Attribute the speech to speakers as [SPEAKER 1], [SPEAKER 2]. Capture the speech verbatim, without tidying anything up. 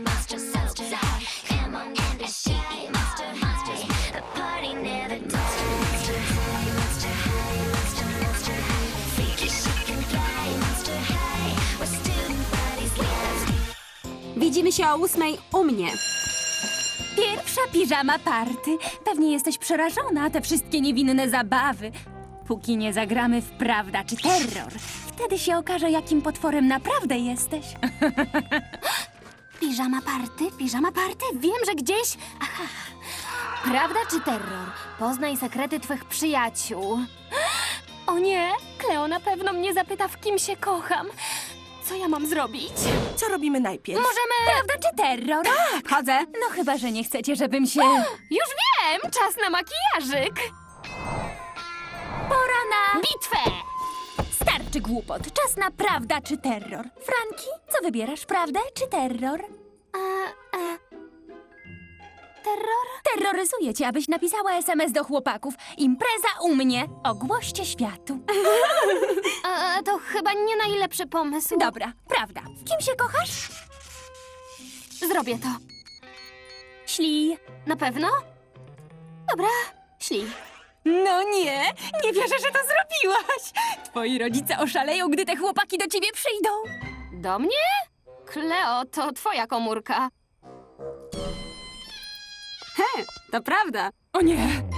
[SPEAKER 1] Widzimy się o ósmej u mnie.
[SPEAKER 2] Pierwsza piżama party. Pewnie jesteś przerażona, te wszystkie niewinne zabawy. Póki nie zagramy w prawda czy terror, wtedy się okaże, jakim potworem naprawdę jesteś.
[SPEAKER 3] Piżama party, piżama party, wiem, że gdzieś... Aha. Prawda czy terror? Poznaj sekrety twych przyjaciół. O nie, Kleo na pewno mnie zapyta, w kim się kocham. Co ja mam zrobić?
[SPEAKER 4] Co robimy najpierw?
[SPEAKER 2] Możemy... Prawda czy terror?
[SPEAKER 1] Tak, chodzę.
[SPEAKER 2] No chyba, że nie chcecie, żebym się...
[SPEAKER 3] Już wiem, czas na makijażyk.
[SPEAKER 2] Pora na...
[SPEAKER 3] Bitwę!
[SPEAKER 2] Starczy głupot. Czas na prawda czy terror. Franki, co wybierasz, prawdę czy terror?
[SPEAKER 3] E, e, terror?
[SPEAKER 2] Terroryzuję cię, abyś napisała es em es do chłopaków. Impreza u mnie. Ogłoście światu.
[SPEAKER 3] E, to chyba nie najlepszy pomysł.
[SPEAKER 2] Dobra, prawda. W kim się kochasz?
[SPEAKER 3] Zrobię to.
[SPEAKER 2] Ślij.
[SPEAKER 3] Na pewno? Dobra, ślij.
[SPEAKER 2] No nie, nie wierzę, że to zrobiłaś. Twoi rodzice oszaleją, gdy te chłopaki do ciebie przyjdą.
[SPEAKER 3] Do mnie? Kleo, to twoja komórka.
[SPEAKER 1] He, to prawda.
[SPEAKER 2] O nie,